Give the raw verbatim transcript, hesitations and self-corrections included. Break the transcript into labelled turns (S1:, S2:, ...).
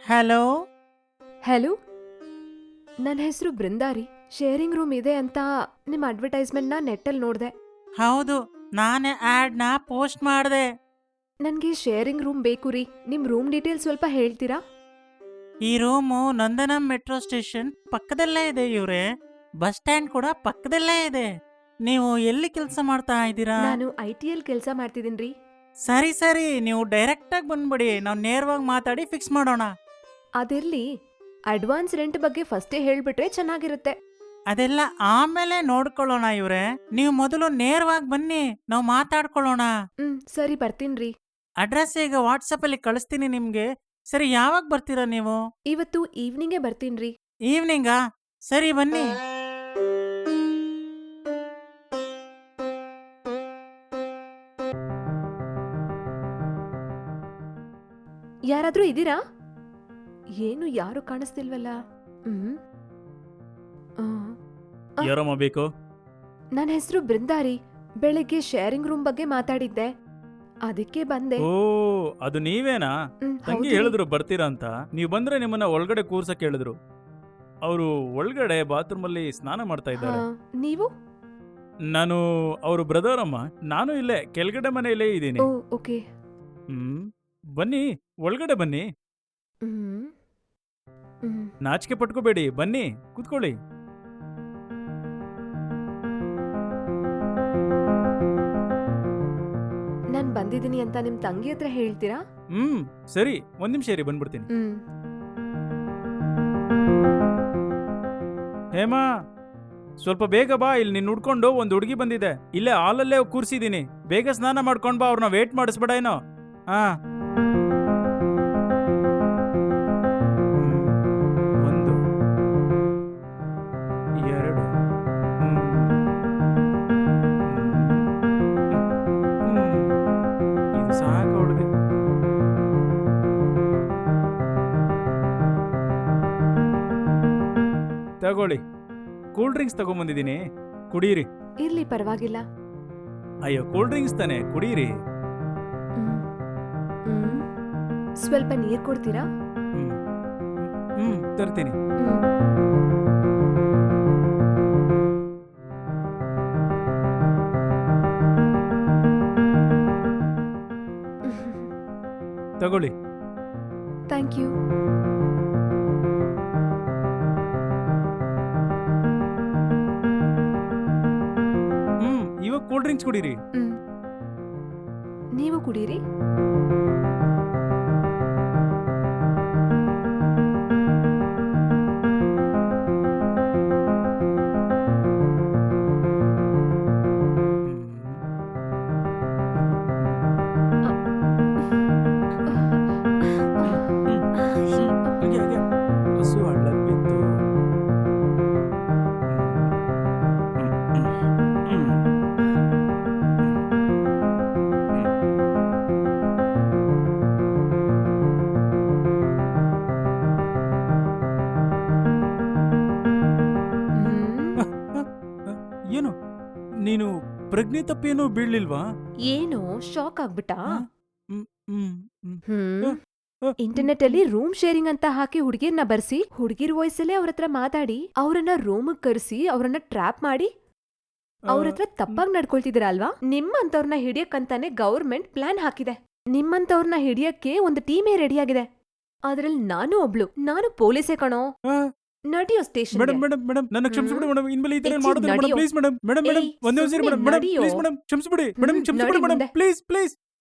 S1: Hello.
S2: Hello, ನನ್ನ ಹೆಸರು ಬೃಂದಾರಿ. Sharing room ಇದೆ ಅಂತ ನಿಮ್ಮ ಅಡ್ವರ್ಟೈಸ್ಮೆಂಟ್ನ ನೆಟ್ಟಲ್ಲಿ ನೋಡಿದೆ.
S1: ಹೌದು, ನಾನೇ ಆಡ್ನ ಪೋಸ್ಟ್ ಮಾಡಿದೆ.
S2: ನನಗೆ ಶೇರಿಂಗ್ ರೂಮ್ ಬೇಕು ರೀ. ನಿಮ್ಮ ರೂಮ್ ಡೀಟೇಲ್ಸ್ ಸ್ವಲ್ಪ ಹೇಳ್ತೀರಾ?
S1: ಈ ರೂಮು ನಂದನಂ ಮೆಟ್ರೋ ಸ್ಟೇಷನ್ ಪಕ್ಕದಲ್ಲೇ ಇದೆ ಇವ್ರೆ. ಬಸ್ ಸ್ಟ್ಯಾಂಡ್ ಕೂಡ ಪಕ್ಕದಲ್ಲೇ ಇದೆ. ನೀವು ಎಲ್ಲಿ ಕೆಲಸ ಮಾಡ್ತಾ ಇದ್ದೀರಾ?
S2: ನಾನು ಐ ಟಿ ಎಲ್ ಕೆಲಸ ಮಾಡ್ತಿದ್ದೀನಿ ರೀ.
S1: ಸರಿ ಸರಿ, ನೀವು ಡೈರೆಕ್ಟಾಗಿ ಬಂದ್ಬಿಡಿ, ನಾವು ನೇರವಾಗಿ ಮಾತಾಡಿ ಫಿಕ್ಸ್ ಮಾಡೋಣ.
S2: ಅದಿರ್ಲಿ, ಅಡ್ವಾನ್ಸ್ ರೆಂಟ್ ಬಗ್ಗೆ ಫಸ್ಟೇ ಹೇಳ್ಬಿಟ್ರೆ ಚೆನ್ನಾಗಿರುತ್ತೆ.
S1: ಅದೆಲ್ಲ ಆಮೇಲೆ ನೋಡ್ಕೊಳ್ಳೋಣ ಇವ್ರೆ. ನೀವು ಮೊದಲು ನೇರವಾಗಿ ಬನ್ನಿ, ನಾವು ಮಾತಾಡ್ಕೊಳ್ಳೋಣ.
S2: ಹ್ಮ್, ಸರಿ ಬರ್ತೀನಿ ರೀ.
S1: ಅಡ್ರೆಸ್ ಈಗ ವಾಟ್ಸಪ್ ಅಲ್ಲಿ ಕಳಿಸ್ತೀನಿ ನಿಮ್ಗೆ. ಸರಿ, ಯಾವಾಗ ಬರ್ತೀರಾ ನೀವು?
S2: ಇವತ್ತು ಈವ್ನಿಂಗೇ ಬರ್ತೀನಿ ರೀ.
S1: ಈವ್ನಿಂಗಾ? ಸರಿ ಬನ್ನಿ.
S2: ಯಾರಾದ್ರೂ ಇದ್ದೀರಾ? ಏನು ಯಾರು ಕಾಣಿಸ್ತಿಲ್ವಲ್ಲ. ಹ್ಮ್
S3: ಯಾರಮ್ಮ ಬೇಕು?
S2: ನನ್ನ ಹೆಸರು ಬೃಂದಾರಿ. ಬೆಳಿಗ್ಗೆ ಶೇರಿಂಗ್ ರೂಮ್ ಬಗ್ಗೆ ಮಾತಾಡಿದ್ದೆ, ಅದಕ್ಕೆ ಬಂದೆ.
S3: ಓ, ಅದು ನೀವೇನಾ?
S2: ಹ್ಮ್,
S3: ತಂಗಿ
S2: ಹೌದು ರೀ.
S3: ಹೇಳಿದ್ರು ಬರ್ತೀರಾ ಅಂತ. ನೀವು ಬಂದ್ರೆ ನಿಮ್ಮನ್ನ ಒಳಗಡೆ ಕೂರ್ಸಕ್ ಹೇಳಿದ್ರು. ಅವರು ಒಳಗಡೆ ಬಾತ್ರೂಮ್ ಅಲ್ಲಿ ಸ್ನಾನ ಮಾಡ್ತಾ ಇದ್ದಾರೆ.
S2: ಹಾ, ನೀವು?
S3: ನಾನು ಅವರು ಬ್ರದರ್ ಅಮ್ಮ. ನಾನು ಇಲ್ಲೇ ಕೆಳಗಡೆ ಮನೆಯಲ್ಲೇ ಇದ್ದೀನಿ.
S2: ಓ, ಓಕೆ.
S3: ಹ್ಮ್ ಬನ್ನಿ, ಒಳಗಡೆ ಬನ್ನಿ.
S2: ಹ್ಮ್ ಹ್ಮ್
S3: ನಾಚಿಕೆ ಪಟ್ಕೋಬೇಡಿ, ಬನ್ನಿ ಕೂತ್ಕೊಳ್ಳಿ.
S2: ನಾನ್ ಬಂದಿದ್ದೀನಿ ಅಂತ ನಿಮ್ ತಂಗಿ ಹತ್ರ ಹೇಳ್ತೀರಾ?
S3: ಹ್ಮ್ ಸರಿ, ಒಂದ್ ನಿಮಿಷ ಇರಿ, ಬಂದ್ಬಿಡ್ತೀನಿ.
S2: ಹ್ಮ್
S3: ಹೇಮಾ, ಸ್ವಲ್ಪ ಬೇಗ ಬಾ. ಇಲ್ಲಿ ನೀನ್ ಹುಡ್ಕೊಂಡು ಒಂದ್ ಹುಡುಗಿ ಬಂದಿದೆ. ಇಲ್ಲೇ ಹಾಲಲ್ಲೇ ಕೂರ್ಸಿದೀನಿ. ಬೇಗ ಸ್ನಾನ ಮಾಡ್ಕೊಂಡ್ ಬಾ, ಅವ್ರನ್ನ ವೇಟ್ ಮಾಡಿಸ್ಬೇಡ ಏನೋ. ಹಾ, ಒಂದು ಎರಡು ಹ್ಮ್. ಹ್ಮ್. ಇದು ಸಾಕು ಅವಳಿಗೆ. ತಗೊಳ್ಳಿ, ಕೂಲ್ ಡ್ರಿಂಕ್ಸ್ ತಗೊಂಬಂದಿದ್ದೀನಿ, ಕುಡೀರಿ.
S2: ಇರ್ಲಿ, ಪರವಾಗಿಲ್ಲ.
S3: ಅಯ್ಯೋ, ಕೂಲ್ ಡ್ರಿಂಕ್ಸ್ ತಾನೆ, ಕುಡೀರಿ.
S2: ಹ್ಮ್ ಹ್ಮ್ ಸ್ವಲ್ಪ ನೀರ್ ಕೊಡ್ತೀರಾ?
S3: ಹ್ಮ್ ಹ್ಮ್ ತರ್ತೀನಿ.
S2: ಹ್ಮ್
S3: ತಗೊಳ್ಳಿ.
S2: Thank you.
S3: ಹ್ಮ್ ಇವಾಗ ಕೂಲ್ ಡ್ರಿಂಕ್ಸ್ ಕುಡೀರಿ.
S2: ಹ್ಮ್ ನೀವು ಕುಡೀರಿ.
S3: ಹಂಗೆ ಹಾಗೆ ಹಸು ಹಳ್ಳಕ್ ಬಿತ್ತು.
S2: ಹ್ಮ್
S3: ಏನು, ನೀನು ಪ್ರಜ್ಞೆ ತಪ್ಪೇನೂ ಬೀಳ್ಲಿಲ್ವಾ?
S2: ಏನು ಶಾಕ್ ಆಗ್ಬಿಟ್ಟಾ?
S3: ಹ್ಮ್, ಹ್ಮ್, ಹ್ಮ್.
S2: ಹ್ಮ್
S3: ಆ,
S2: ಇಂಟರ್ನೆಟ್ ಅಲ್ಲಿ ರೂಮ್ ಶೇರಿಂಗ್ ಅಂತ ಹಾಕಿ ಹುಡುಗಿರ್ನ ಬರ್ಸಿ, ಹುಡುಗಿರ್ ವಾಯ್ಸಲ್ಲೇ ಅವ್ರ ಹತ್ರ ಮಾತಾಡಿ ಅವ್ರನ್ನ ರೂಮಿಗೆ ಕರೆಸಿ ಅವ್ರನ್ನ ಟ್ರ್ಯಾಪ್ ಮಾಡಿ ಅವ್ರ ಹತ್ರ ತಪ್ಪಾಗಿ ನಡ್ಕೊಳ್ತಿದ್ದೀರಾ ಅಲ್ವಾ? ನಿಮ್ಮಂತವ್ರನ್ನ ಹಿಡಿಯಕ್ಕಂತಾನೆ ಗೌರ್ಮೆಂಟ್ ಪ್ಲಾನ್ ಹಾಕಿದೆ. ನಿಮ್ಮಂತವ್ರನ್ನ ಹಿಡಿಯಕ್ಕೆ ಒಂದು ಟೀಮೇ ರೆಡಿಯಾಗಿದೆ. ಅದ್ರಲ್ಲಿ ನಾನು ಒಬ್ಳು. ನಾನು ಪೊಲೀಸೇ ಕಣೋ.
S3: ಆ,
S2: ನಡಿಯೋ ಸ್ಟೇಷನ್.
S3: ಮೇಡಮ್ ಮೇಡಮ್ ಮೇಡಮ್, ನನ್ನ ಕ್ಷಮಿಸ್ಬಿಡಿ ಮೇಡಮ್. ಇನ್ಮೇಲೆ ಈ ತರ
S2: ಹೆಚ್ಚು
S3: ಮಾಡೋದಿಲ್ಲ ಮೇಡಮ್.
S2: ನಡಿಯೋ.
S3: ಪ್ಲೀಸ್ ಮೇಡಮ್ ಮೇಡಮ್ ಮೇಡಮ್
S2: ಏಯ್,
S3: ಒಂದೇ ಒಂದ್ಸರಿ
S2: ಸುಮ್ನೆ
S3: ಮೇಡಮ್ ಮೇಡಮ್
S2: ನಡಿಯೋ.
S3: ಪ್ಲೀಸ್ ಮೇಡಮ್ ಕ್ಷಮಿಸ್ಬಿಡಿ ಮೇಡಮ್
S2: ಹ್ಮ್,
S3: ಕ್ಷಮಿಸ್ಬಿಡಿ
S2: ನಡಿ
S3: ಮೇಡಮ್
S2: ಮುಂದೆ.
S3: Please please